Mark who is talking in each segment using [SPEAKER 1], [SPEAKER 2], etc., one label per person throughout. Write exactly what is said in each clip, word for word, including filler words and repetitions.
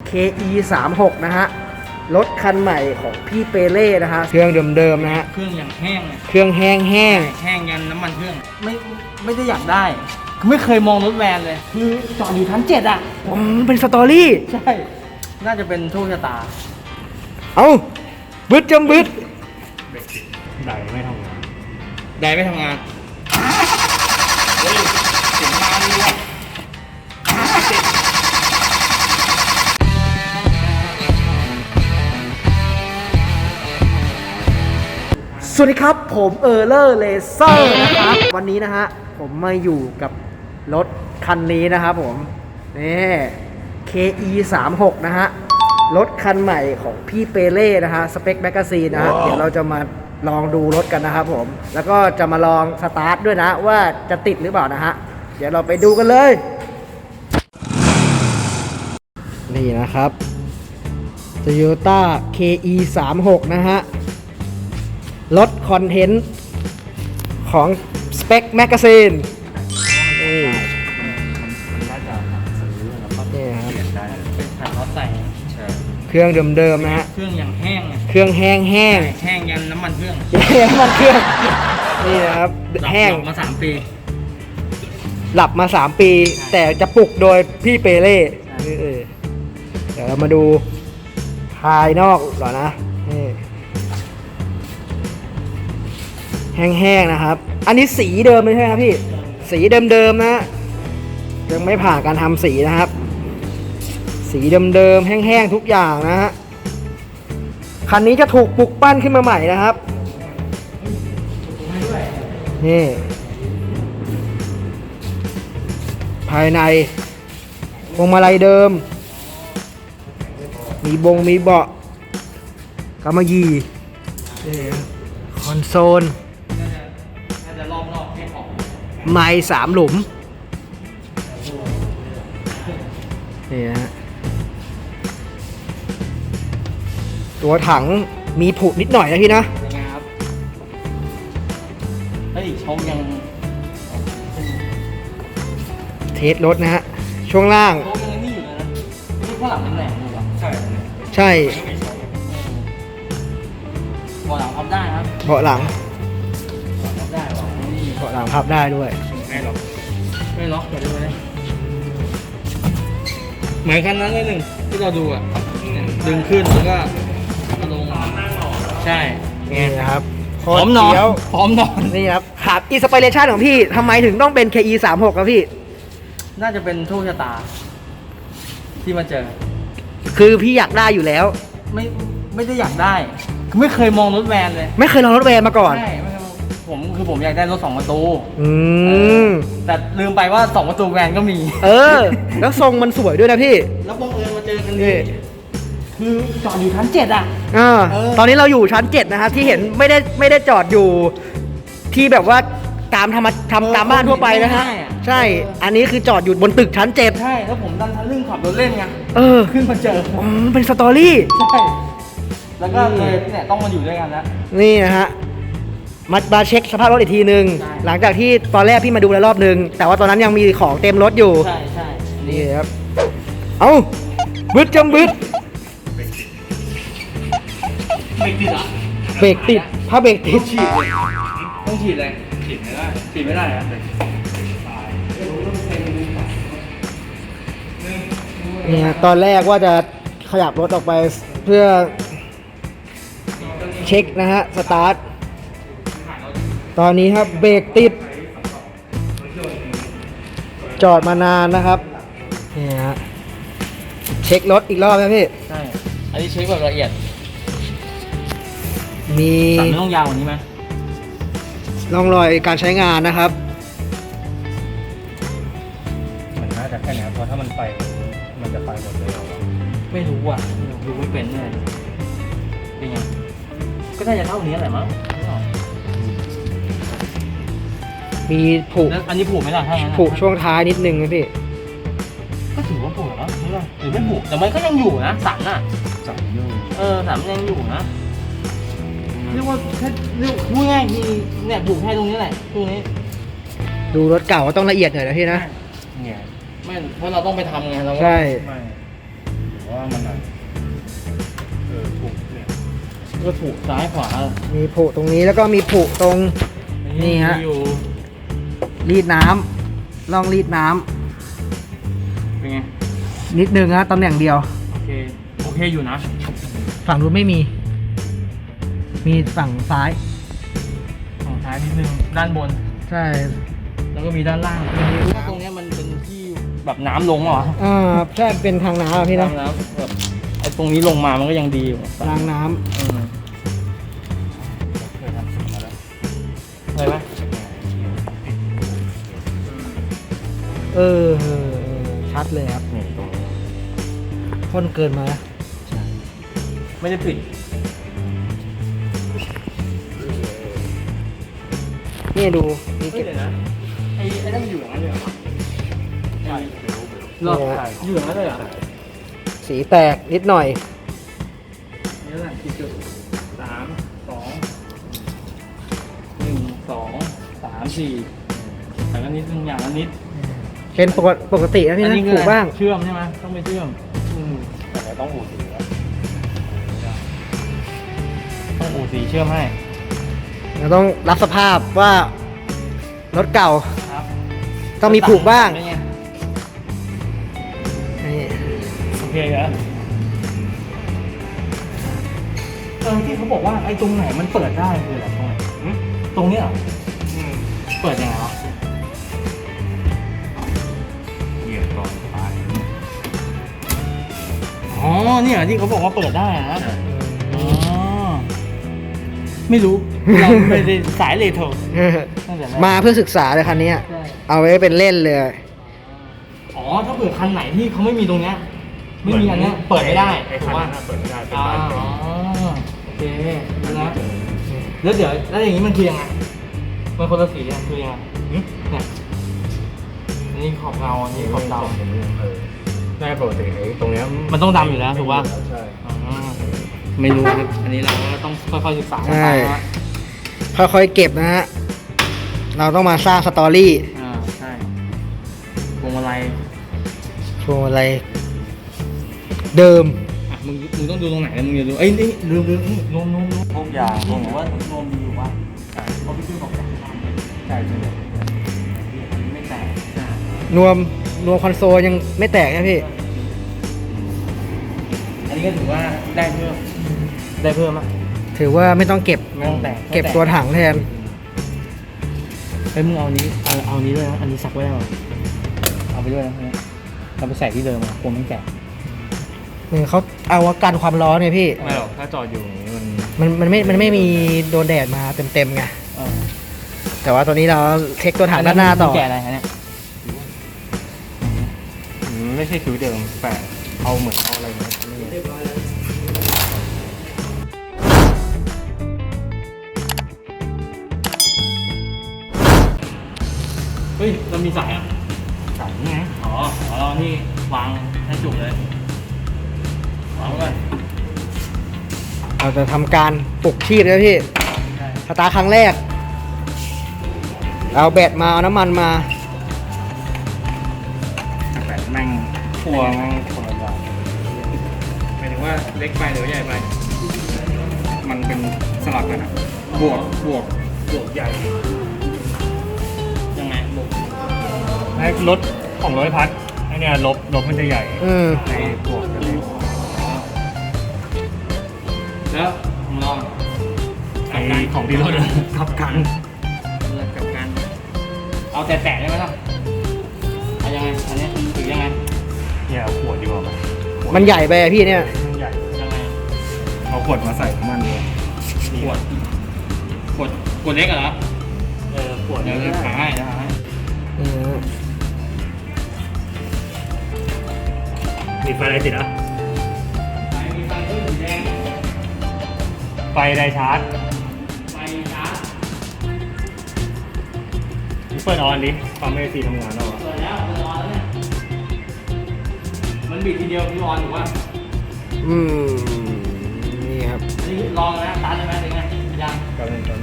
[SPEAKER 1] เค อี สามสิบหก นะฮะรถคันใหม่ของพี่เปเล่นะฮะเครื่องเดิมๆนะฮะ
[SPEAKER 2] เครื่องอย่างแห้งเลย
[SPEAKER 1] เครื่องแห้งแห้ง
[SPEAKER 2] แห้งยันน้ำมันเครื่องไม่ไม่ได้อยากได้ไม่เคยมองรถแวนเลยคือจอดอยู่ชั้นเจ็ดอ่ะ
[SPEAKER 1] อ๋อเป็นสตอรี่
[SPEAKER 2] ใช่น่าจะเป็นโชคชะตา
[SPEAKER 1] เอ้าบึดจำบึด
[SPEAKER 2] ไดไม่ทำงานไดไม่ทำงานเฮ้ยเสียงมาดีว่ะ
[SPEAKER 1] สวัสดีครับผมเออร์เลอร์เลเซอร์นะครับวันนี้นะฮะผมมาอยู่กับรถคันนี้นะครับผมนี่ เค อี สามสิบหก นะฮะรถคันใหม่ของพี่เปเล่นะฮะสเปคแมกกาซีนนะฮะเดี๋ยวเราจะมาลองดูรถกันนะครับผมแล้วก็จะมาลองสตาร์ทด้วยนะว่าจะติดหรือเปล่านะฮะเดี๋ยวเราไปดูกันเลยนี่นะครับ Toyota เค อี สามสิบหก นะฮะรถคอนเทนต์ของ Spec Magazine นี่
[SPEAKER 2] มันน่าจะซื้อแล้วก็เปลี่ยนได้เป็นถังรถใส่
[SPEAKER 1] เครื่องเดิมๆนะฮะ
[SPEAKER 2] เครื่องอย่างแห้ง
[SPEAKER 1] เครื่องแห้งแห้ง
[SPEAKER 2] แห้งยันน้ำมันเครื่อง
[SPEAKER 1] น้ำมันเครื่องนี่นะครับแห้ง
[SPEAKER 2] มาสามปี
[SPEAKER 1] หลับมาสามปีแต่จะปลุกโดยพี่เปเล่เดี๋ยวเรามาดูภายนอกหรอนะนี่แห้งๆนะครับอันนี้สีเดิมเลยใช่ไหมครับพี่สีเดิมๆนะยังไม่ผ่านการทำสีนะครับสีเดิมๆแห้งๆทุกอย่างนะฮะคันนี้จะถูกปลุกปั้นขึ้นมาใหม่นะครับนี่ภายในพวงมาลัยเดิมมีบงมีเบาะกำมะหยี่คอนโซลไม้สามหลุมนี่นะฮะตัวถังมีผุนิดหน่อยนะพี่นะ
[SPEAKER 2] นะครับเฮ้ยชงยัง
[SPEAKER 1] เทสรถนะฮะช่วงล่าง
[SPEAKER 2] ชงยังนี่อยู่เลยนะนี่ข้างหลังเป็นแหลมอยู่ป่ะใช่
[SPEAKER 1] ใช่
[SPEAKER 2] เบาะหลังพับได้ครับ
[SPEAKER 1] เบาะหลัง
[SPEAKER 2] พับได้หรอ
[SPEAKER 1] เบาะหลังพับได้ด้วย
[SPEAKER 2] ไม่ล็อกไม่ล็อกเดี๋ยวดูเลยเหมือนคันนั้นเลยหนึ่งที่เราดูอ่ะดึงขึ้นแล้วก็ลงใช่
[SPEAKER 1] นี่นะครับ
[SPEAKER 2] พร้อมนอนพร้อมนอน
[SPEAKER 1] นี่ครับครับอินสปิเรชันของพี่ทำไมถึงต้องเป็น เค อี สามสิบหก ครับพี่
[SPEAKER 2] น่าจะเป็นโชคชะตาที่มาเจอ
[SPEAKER 1] คือพี่อยากได้อยู่แล้ว
[SPEAKER 2] ไม่ไม่ได้อยากได้ไม่เคยมองรถแวนเลย
[SPEAKER 1] ไม่เคยลองรถแวนมาก่อน
[SPEAKER 2] ใช่ผมคือผมอยากได้รถสองประตู
[SPEAKER 1] อืม
[SPEAKER 2] แต่ลืมไปว่าสองประตูแวนก็มี
[SPEAKER 1] เออแล้วทรงมันสวยด้วยนะพี่
[SPEAKER 2] แล้วบังเอิญมาเจอกันนี่คือจอดอยู่ชั้นเจ็ดอ่ะ
[SPEAKER 1] อ่าตอนนี้เราอยู่ชั้นเจ็ดนะครับที่เห็นไม่ได้ไม่ได้จอดอยู่ที่แบบว่าตามทำทำตามบ้านทั่วไปนะฮะใช่อันนี้คือจอดอยู่บนตึกชั้นเจ็ด
[SPEAKER 2] ใช่แล้วผมดันทะลึ่งขับรถเล่นไง
[SPEAKER 1] เออ
[SPEAKER 2] ขึ้นมาเจอ
[SPEAKER 1] อ๋อเป็นสตอรี่
[SPEAKER 2] ใช่แล้วก็เลยเนี่ยต้องมาอยู่ด้วยกันแล้ว
[SPEAKER 1] นี่นะฮะมามาเช็คสภาพรถอีกทีนึงหลังจากที่ตอนแรกพี่มาดูแล้วรอบนึงแต่ว่าตอนนั้นยังมีของเต็มรถอยู่
[SPEAKER 2] ใช่ใช่
[SPEAKER 1] นี่ครับเอ้าบึดจำบึด
[SPEAKER 2] เบรกติดอ่ะ
[SPEAKER 1] เบรกติดถ้าเบรกติด
[SPEAKER 2] ฉีดเลยต้องฉีดเลยฉีดไม่ได้ฉีดไม่ได้อะ
[SPEAKER 1] เนี่ยตอนแรกว่าจะขยับรถออกไปเพื่อเช็คนะฮะสตาร์ทตอนนี้ครับเบรกติดจอดมานานนะครับนี่ฮะเช็ครถอีกรอบนะพี่
[SPEAKER 2] ใช่อันนี้เช็คแบบละเอียด
[SPEAKER 1] มี
[SPEAKER 2] ตัดไม่ต้องยาวกว่านี้ไหม
[SPEAKER 1] ร่องรอยการใช้งานนะครับ
[SPEAKER 2] มันน่าจะแค่นี้เพราะถ้ามันไปมันจะไปหมดเลยไม่รู้อ่ะดูไม่เป็นเลยเป็นไงก็น่าจะเท่านี้แหละมั้ง
[SPEAKER 1] มีผุ
[SPEAKER 2] อันนี้ผุไหมล่ะ
[SPEAKER 1] ผุช่วงท้ายนิดนึงนะพี่
[SPEAKER 2] ก็ถือว่าผุเหรอหรือไม่ผุแต่มันก็ยังอยู่นะสันน่ะสันอยู่เออสันยังอยู่นะเรียกว่าแค่เรียกพูดง่ายๆที่เนี่ยผุแค่ตรงนี้แหละตรงนี้
[SPEAKER 1] ดูรถเก่าก็ต้องละเอียดหน่อยนะพี่นะ
[SPEAKER 2] เนี่ยไม่เพราะเราต้องไปทำไงเรา
[SPEAKER 1] ใช่
[SPEAKER 2] ว่ามันอ่ะเออถูกเนี่ยก็ถูกซ้ายขวา
[SPEAKER 1] มีผุตรงนี้แล้วก็มีผุตรง นี่ฮะ
[SPEAKER 2] อยู่
[SPEAKER 1] รีดน้ำลองรีดน้ำ
[SPEAKER 2] เป็นไง
[SPEAKER 1] นิดนึงฮะตำแหน่งเดียว
[SPEAKER 2] โอเคโอเคอยู่นะ
[SPEAKER 1] ฝั่งนู้นไม่มี มีฝั่งซ้าย
[SPEAKER 2] ฝั่งซ้ายนิดนึงด้านบน
[SPEAKER 1] ใช่
[SPEAKER 2] แล้วก็มีด้านล่างว่าตรงเนี้ยมันเป็นที่แบบน้ำลงเหรอ
[SPEAKER 1] อ่าใช่เป็นทางน้ำอะพี่นะ
[SPEAKER 2] น้ำแบบไอ้ตรงนี้ลงมามันก็ยังดีอยู่
[SPEAKER 1] รางน้
[SPEAKER 2] อืมเคยทำสูตรมาแล้วเคยไหม
[SPEAKER 1] ำเออเออเออชัดเลยครับ
[SPEAKER 2] นี่ตรงนี้
[SPEAKER 1] ข้นเกินมา
[SPEAKER 2] ไม่ได้ปิด
[SPEAKER 1] นี่ดูนี่
[SPEAKER 2] เฮ้ย
[SPEAKER 1] เก็บ
[SPEAKER 2] เดี๋ยวนะไอ้ไอ้นั่นมันอยู่อย่างนั้นเลยเหรอใช่เหรออยู่อย่างนั้นเลยเหรอ
[SPEAKER 1] สีแตกนิดหน่อย
[SPEAKER 2] นี่แหละสี่จุดสามสองหนึ่งสองสามสี่แต่ก็นิดนึงอย่างละนิด
[SPEAKER 1] เป็นปกติปกตินะพี่นะ
[SPEAKER 2] คือ
[SPEAKER 1] ถูกบ้าง
[SPEAKER 2] เชื่อมใช่ไหมต้องไปเชื่อมอืมแต่ต้องอู่สีแล้วต้องอู่สีเชื่อมให้
[SPEAKER 1] เราต้องรับสภาพว่ารถเก่า
[SPEAKER 2] ครับ
[SPEAKER 1] ต้องมีผูกบ้าง
[SPEAKER 2] เป็นไง
[SPEAKER 1] นี่
[SPEAKER 2] โอเคเหรอเออที่เขาบอกว่าไอ้ตรงไหนมันเปิดได้คืออะไรตรงไหนหึตรงเนี้ยเหรออืมเปิดยังไงวะเหยียบก่อนไปอ๋อเนี่ยที่เขาบอกว่าเปิดได้นะอ๋อไม่รู้เราไม่ได้สายเลโทรตั้งแต่แรก
[SPEAKER 1] มาเพื่อศึกษาเลยคันนี้
[SPEAKER 2] ใช่
[SPEAKER 1] เอาไว้เป็นเล่นเลย
[SPEAKER 2] อ๋อถ้าเปิดคันไหนที่เขาไม่มีตรงเนี้ยไม่มีอันเนี้ยเปิดไม่ได้
[SPEAKER 3] ไอ้
[SPEAKER 2] ถู
[SPEAKER 3] คั
[SPEAKER 2] ก
[SPEAKER 3] น
[SPEAKER 2] ป่ะ
[SPEAKER 3] นั้นนะเปิดไม่ได้เป็น
[SPEAKER 2] อ๋อ
[SPEAKER 3] บ้านเต็ม
[SPEAKER 2] โอเคดูนะแล้วเดี๋ยวแล้วอย่างนี้มันคือยังไงมันคนละสีอ่ะคือยังไงหึเนี่ยอันนี้ขอบเงาอันนี้ขอบด
[SPEAKER 3] เออได้ปกติไอ้ตรงเนี้ย
[SPEAKER 2] ำมันต้องดำอยู่แล้วถูกป่ะ
[SPEAKER 3] ใช่
[SPEAKER 2] อ๋อไม่รู้ครับอันนี้เราก็ต้องค่อยๆศึกษา
[SPEAKER 1] ใช่
[SPEAKER 2] ไปนะ
[SPEAKER 1] ค่อยๆเก็บนะฮะ เราต้องมาสร้างสตอรี่
[SPEAKER 2] อ่าใช่พวงมาลัย
[SPEAKER 1] พวงอะไร เดิม
[SPEAKER 2] อ่ะมึงมึงต้องดูตรงไหนนะมึงอย่าดูเอ้ยนี่ลืมลืมนี่นวมนวมนวมพวกยางพวกว่านวมดีอยู่ป่ะเขาพี่ชื่อบอกแต่งบ้านเลย
[SPEAKER 3] ใช่ใช่
[SPEAKER 2] อันนี้ไม่แตกใช่
[SPEAKER 1] นวมนวมคอนโซลยังไม่แตกนะพี่
[SPEAKER 2] อันนี้ก็ถือว่าได้เพิ่มได้เพิ่มอ่ะ
[SPEAKER 1] ถือว่าไม่ต้องเก็บ
[SPEAKER 2] ไม่ต้องแตก
[SPEAKER 1] เก็บตัวถังแทน
[SPEAKER 2] เฮ้ยมึงเอานี้เอาเอานี้ด้วยนะอันนี้ซักไว้ได้ป่ะเอาไปด้วยนะเนี่ยเราไปใส่ที่เดิมอ่ะกลัวไม่แตก
[SPEAKER 1] เหมือนเขาเอากันความร้อนไงพี่
[SPEAKER 3] ไม่หรอกถ้าจอดอยู่อย่างนี้มัน
[SPEAKER 1] มันมันไม่มันไม่มีโดนแดดมาเต็มๆไง
[SPEAKER 2] เออ
[SPEAKER 1] แต่ว่าตัวนี้เราเช็คตัวถังด้านหน้าต่อ
[SPEAKER 2] มึงแกะอะไรฮะเนี่ย
[SPEAKER 3] อืมไม่ใช่คิ้วเดิมแต่เอาเหมือนเอาอะไรมานี่
[SPEAKER 2] เฮ้ยเรามีสายอ่ะ
[SPEAKER 3] สายนี่ไง
[SPEAKER 2] อ๋ออ๋อเรานี่วางให้จุกเลยวางไว้
[SPEAKER 1] เราจะทำการปลุกชีพนะพี่
[SPEAKER 2] ใช่
[SPEAKER 1] สตาร์ทครั้งแรก เอาแบตมาเอาน้ำมันมา
[SPEAKER 3] แต่แม่งพัวแม่งคนละอย่างหมายถึงว่าเล็กไปหรือใหญ่ไป มันเป็นสลับกันอะบวกบวกบวกใหญ่
[SPEAKER 2] ยังไงบุก
[SPEAKER 3] ไอ้รถของร้อยพัดไอเนี่ยลบลบมันจะใหญ่
[SPEAKER 1] อืม
[SPEAKER 3] ไอ้บวกจะเล็ก
[SPEAKER 2] แล้วมึงลอง
[SPEAKER 3] ไอ้ของที่รถทับกัน
[SPEAKER 2] เลือกกับกันเอาแต่แตะได้ไหมล่ะเอายังไงอันนี้ถือยังไง
[SPEAKER 3] เนี่ยเอาขวดดีกว่าไหมขวด
[SPEAKER 1] มันใหญ่ไปอะพี่เนี่ย
[SPEAKER 3] มันใหญ่
[SPEAKER 2] ยังไง
[SPEAKER 3] เอาขวดมาใส่น้ำมันดีกว่า
[SPEAKER 2] ขวดขวดขวดเล็กเหรอ
[SPEAKER 3] เออขวด
[SPEAKER 2] เดี๋
[SPEAKER 3] นี้
[SPEAKER 2] ยวจะหาให้เดี๋ยวหาให้
[SPEAKER 1] อืม
[SPEAKER 3] มีไฟอะไรติดอ่ะ
[SPEAKER 2] ไฟมีไฟด้วยสีแดง
[SPEAKER 3] ไฟไดชาร์จ
[SPEAKER 2] ไฟชาร์จ
[SPEAKER 3] นี่เปิดออนดิปั๊มเอซีทำงานแล้วอ่ะ
[SPEAKER 2] เปิดแล้วเปิดออนแล้วเนี่ยมันบิดทีเดียวพี่ออนถูกป่ะ
[SPEAKER 1] อืมนี่ครับ
[SPEAKER 2] อันนี้ลองนะตันเลยไหมหรือไงยัง
[SPEAKER 3] กำลังตอน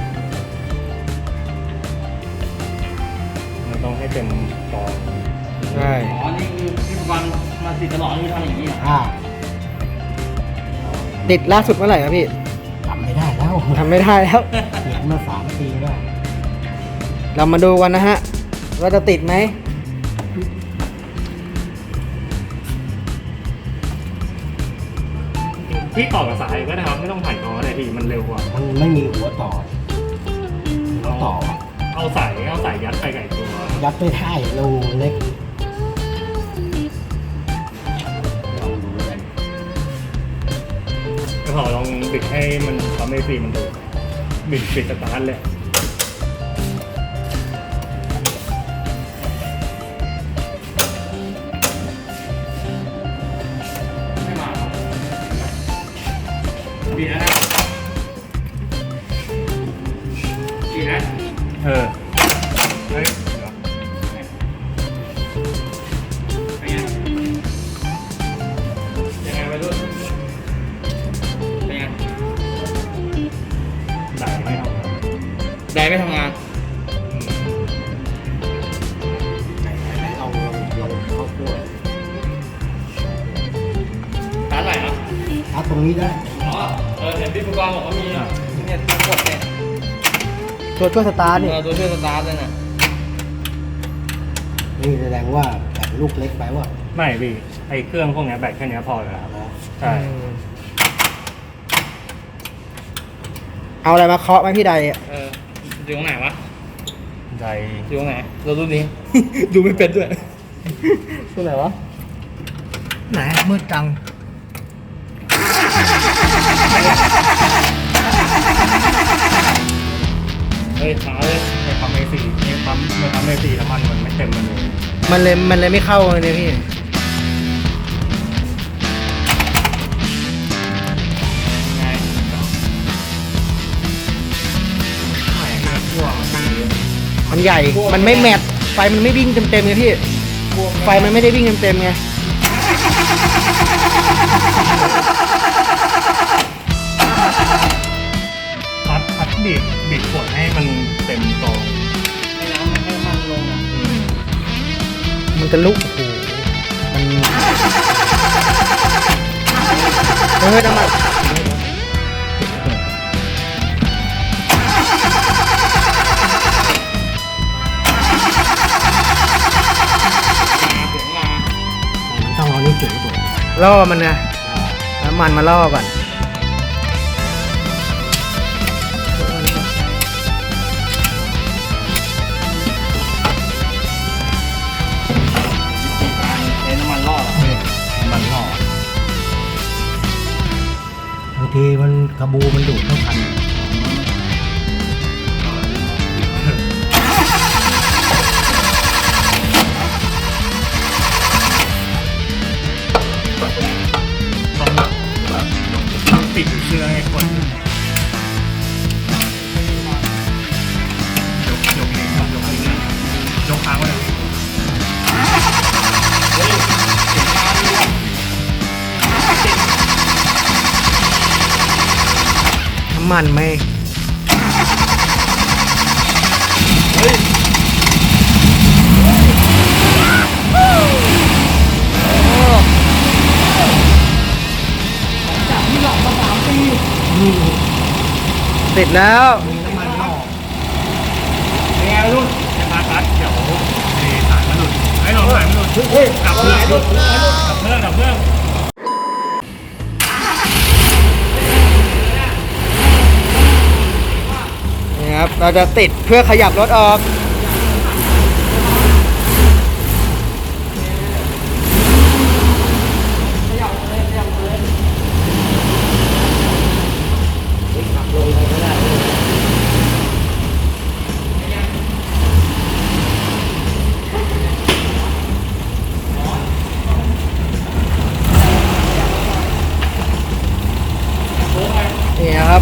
[SPEAKER 3] มันต้องให้เต็มปอดหรือว่า
[SPEAKER 1] ใช่
[SPEAKER 2] อ๋อ นี่คือที่วันมาติดตลอดนี่ทำอย่างนี้เหรอ
[SPEAKER 4] อ่า
[SPEAKER 1] ติดล่าสุดเมื่อไหร่ครับพี่
[SPEAKER 4] ทำไม่ได้แล้ว
[SPEAKER 1] ทำไม่ได้แล้ว
[SPEAKER 4] เสียมาสามปีแล้ว
[SPEAKER 1] เรามาดูกันนะฮะว่าจะติดไหม
[SPEAKER 3] ที่ต่อกับสายก็ได้ครับไม่ต้องผ่านกอเลยพี่มันเร็วกว่า
[SPEAKER 4] มันไม่มีหัวต่อหัวต่อ
[SPEAKER 3] เอาสายเอาสายยัดไปไก่ตัว
[SPEAKER 4] ยัดไม่ได้รูเล็กลองดูกัน
[SPEAKER 3] ก็พอลองบิดให้มันทำให้ฟรีมันดูบิดปิดสตาร์ทเลยไม่มาครับบิดแล้วนะบิดนะเออเฮ้ยเดี๋ยวเป็นไงยังไงไปรุ่นเป็นไงได้ไม่ทำงานได้ไม่ทำงาน
[SPEAKER 4] ไหนๆลองลองลองเข้าขั้ว
[SPEAKER 3] ร้านไหนครับ
[SPEAKER 4] เอาตรงนี้ได้
[SPEAKER 3] อ๋อ เออเห็นพี่ผู้กองบอกว่ามีเนี่ยตัวกดเนี่ย
[SPEAKER 1] ตัวช่วยสตาร์ท
[SPEAKER 3] เอ
[SPEAKER 1] นี่
[SPEAKER 3] อตัวช่วยสตาร์ทเลยนะ
[SPEAKER 4] นี่แสดงว่าแบบลูกเล็กไปว่า
[SPEAKER 3] ไม่พี่ ไอเครื่องพวกเนี้ยแบตแค่เนี้ยพอแล้วครับ ใช่
[SPEAKER 1] เอาอะไรมาเคาะไหมพี่ใดอะ
[SPEAKER 3] เอออยู่ตรงไหนวะ
[SPEAKER 2] ใจ
[SPEAKER 3] อยู่ตรงไหน เราดูนี้ ดูไม่เป็นด้วย
[SPEAKER 1] ตัวไหนวะ ไหนมืดจัง
[SPEAKER 3] เฮ้ยช้าเลยในปั๊มเอซีในปั๊มในปั๊มเอซีน้ำมันมันไม่เต็มมันเลย
[SPEAKER 1] มันเลยมันเลยไม่เข้าเลยเนี่ยพี่
[SPEAKER 3] ไงไม่เรื่องพ่วงมันเยอะ
[SPEAKER 1] มันใหญ่ มันไม่แมทไฟมันไม่วิ่งเต็มๆไงพี่ ไฟมันไม่ได้วิ่งเต็มๆไง
[SPEAKER 3] พัดพัดบีบบีบขวดให้มันเต็มตรง
[SPEAKER 2] ให้น้ำให้มันลงอ่ะ
[SPEAKER 1] มันจะลุกโอ้โหมันเฮ้ยน้ำมัน
[SPEAKER 3] เสียงมา
[SPEAKER 4] มันต้องเอานี้เฉยตัว
[SPEAKER 1] ล่อมันนะน้ำมันมาล่อก่อน
[SPEAKER 2] ใช้น้ำมันรอด
[SPEAKER 3] มันหล่อบ
[SPEAKER 4] างทีมันกระบูมันดูดไม่ทัน
[SPEAKER 3] ต้องปิดเครื่องให้คนยกยกเองยกเองยกค้างไว้เลย
[SPEAKER 1] น้ำมันไหมติดแล้ว
[SPEAKER 4] น้ำมันล่อ
[SPEAKER 3] เป็นไงรุ่นไอ้พาร์ทเดี๋ยวไอ้สายมันหลุดไอ้หลอดสายมันหลุดเฮ้ยดับเครื่องดับเครื่องดับเครื่อง
[SPEAKER 1] นี่ครับ เราจะติดเพื่อขยับรถออก นี่นะครับ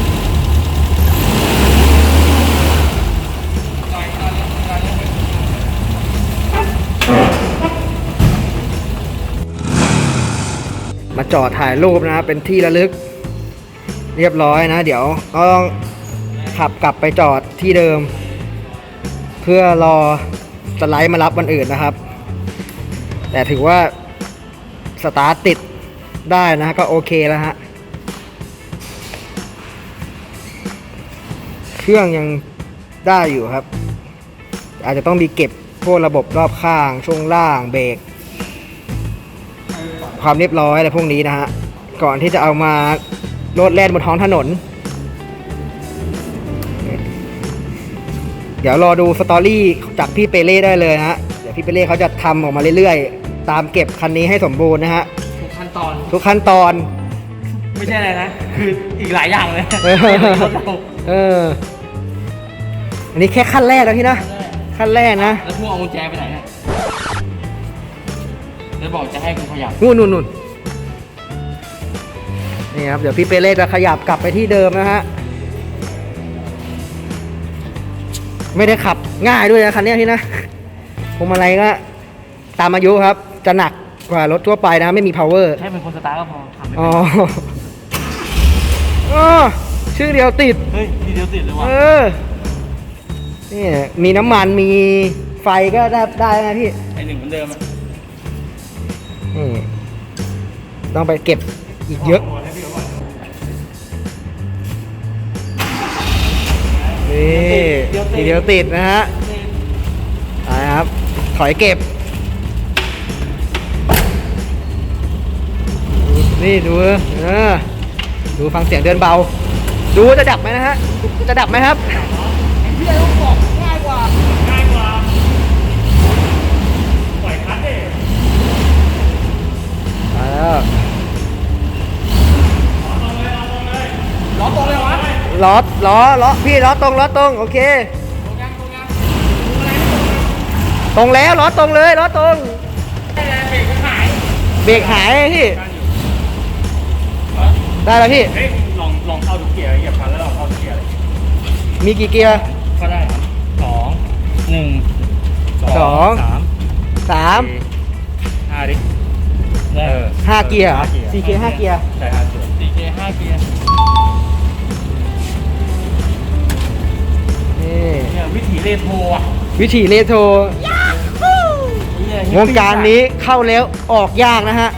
[SPEAKER 1] มาจอดถ่ายรูปนะครับ เป็นที่ระลึก เรียบร้อยนะ เดี๋ยวก็ต้องขับกลับไปจอดที่เดิม เพื่อรอสไลด์มารับวันอื่นนะครับแต่ถือว่าสตาร์ทติดได้นะฮะก็โอเคแล้วฮะเครื่องยังได้อยู่ครับอาจจะต้องมีเก็บพวกระบบรอบข้างช่วงล่างเบรกความเรียบร้อยอะไรพวกนี้นะฮะก่อนที่จะเอามาโลดแล่นบนท้องถนนเดี๋ยวรอดูสตอรี่จากพี่เปเล่ได้เลยนะฮะเดี๋ยวพี่เปเล่เขาจะทำออกมาเรื่อยๆตามเก็บคันนี้ให้สมบูรณ์นะฮะ
[SPEAKER 2] ทุกขั้นตอน
[SPEAKER 1] ทุกขั้นตอน
[SPEAKER 2] ไม่ใช่อะไรนะ คืออีกหลายอย่างเลย
[SPEAKER 1] เออ เอออันนี้แค่ขั้นแรกแล้วพี่นะขั้นแรกนะ
[SPEAKER 2] แล้วพวกเอากุญแจไปไหนเนี่ยแล้วบอกจะให้กูขยับ
[SPEAKER 1] นู่นนู่นนู่นนี่ครับเดี๋ยวพี่เปเล่จะขยับกลับไปที่เดิมนะฮะไม่ได้ขับง่ายด้วยนะคันนี้พี่นะพวงมาลัยก็ตามอายุครับจะหนักกว่ารถทั่วไปนะไม่มี power
[SPEAKER 2] แค่เป็นคนสตาร์ทก็พอขับไม่
[SPEAKER 1] อ๋
[SPEAKER 2] เป็
[SPEAKER 1] อน อ๋อชื่อเดียวติด
[SPEAKER 2] เฮ้ยทีเดียวติดเลยว่ะ
[SPEAKER 1] เออนี่มีน้ำมันมีไฟก็ได้ได้นะพี่
[SPEAKER 2] ไอหนึ่งเหมือนเดิมอะ
[SPEAKER 1] นี่ต้องไปเก็บอีกเยอะนี่ทีเดียวติดนะฮะไปครับ ถอยเก็บ นี่ดูเออดูฟังเสียงเดินเบา ดูจะดับไหมนะฮะ จะดับไหมครับพี่ต้องบอกง่ายกว่าง่ายกว่าปล่อยคัดดิมาแล้ว
[SPEAKER 2] ล้อตรงเลยวะ
[SPEAKER 1] ล้อล้อล้อพี่ล้อตรงล้อตรงโอเค
[SPEAKER 2] ตรงยังตรงยัง
[SPEAKER 1] ตรงแล้วล้อตรงเลยล้อตรง
[SPEAKER 2] เบรกมันหาย
[SPEAKER 1] เบรกหายพี่ได้แล้วพี่
[SPEAKER 3] เฮ้ยลองลองเข้าทุกเกียร์เหยียบคันแล้วลองเข้าทุกเกียร์เลย
[SPEAKER 1] มีกี่เกียร์
[SPEAKER 2] ก็ได้ครับสองหนึ่ง
[SPEAKER 1] สอง
[SPEAKER 3] สาม
[SPEAKER 1] สาม
[SPEAKER 3] สี่ห้าดิ
[SPEAKER 2] ได้
[SPEAKER 3] เออ
[SPEAKER 1] ห้าเกียร์เหรอ
[SPEAKER 3] ห้าเกียร์
[SPEAKER 1] สี่เกียร์ห้าเกียร์
[SPEAKER 3] ใช่ห้าเกียร์
[SPEAKER 2] สี่เกียร์ห้าเกียร์
[SPEAKER 1] นี่
[SPEAKER 2] เนี่ยวิถีเรโทรอ่ะ
[SPEAKER 1] วิถีเรโทร
[SPEAKER 2] เนี่ยว
[SPEAKER 1] งการนี้เข้าแล้วออกยากนะฮะ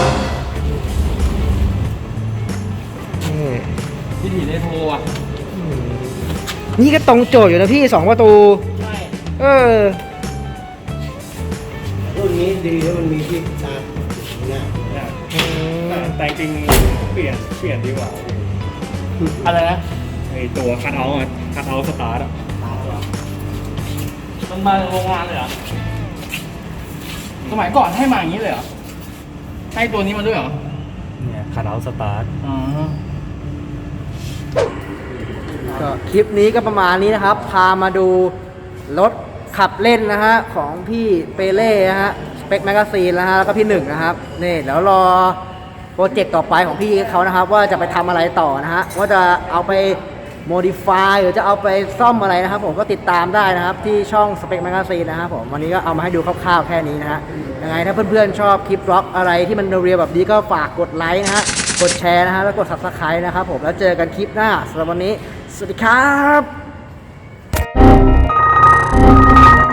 [SPEAKER 1] นี่
[SPEAKER 2] วิถีเรโทรอ่ะ
[SPEAKER 1] นี่ก็ตรงโจทย์อยู่นะพี่สองประตู
[SPEAKER 2] ใช่
[SPEAKER 1] เออ
[SPEAKER 4] รุ่นนี้ดีแล้วมันมีที่ชาร์จหน้า
[SPEAKER 3] เนี่ยแต่แต่จริงๆเปลี่ยนเปลี่ยนดีกว่า
[SPEAKER 2] อะไรนะ
[SPEAKER 3] ไอตัวคัทเอาท์อะคัทเอาท์สตาร์ทอะ
[SPEAKER 2] มันมาจากโรงงานเลยเหรอสมัยก่อนให้มาอย่างนี้เลยเหรอให้ตัวนี้มาด้วยเหรอ
[SPEAKER 3] เนี่ยคัทเอาท์สตาร์ท
[SPEAKER 2] อ๋อ
[SPEAKER 1] ก็คลิปนี้ก็ประมาณนี้นะครับ พามาดูรถขับเล่นนะฮะของพี่เปเล่นะฮะสเปคแมกกาซีนนะฮะแล้วก็พี่หนึ่งนะครับนี่เดี๋ยวรอโปรเจกต์ต่อไปของพี่เขานะครับ ว่าจะไปทำอะไรต่อนะฮะว่าจะเอาไปโมดิฟายหรือจะเอาไปซ่อมอะไรนะครับ ผมก็ติดตามได้นะครับที่ช่องสเปคแมกกาซีนนะครับผมวันนี้ก็เอามาให้ดูคร่าวๆแค่นี้นะฮะยังไงถ้าเพื่อนๆชอบคลิปบล็อกอะไรที่มันเรียวๆแบบนี้ก็ฝากกดไลค์นะฮะกดแชร์นะฮะแล้วกด ซับสไครบ์ นะครับผมแล้วเจอกันคลิปหน้าสำหรับวันนี้สวัสดีครับ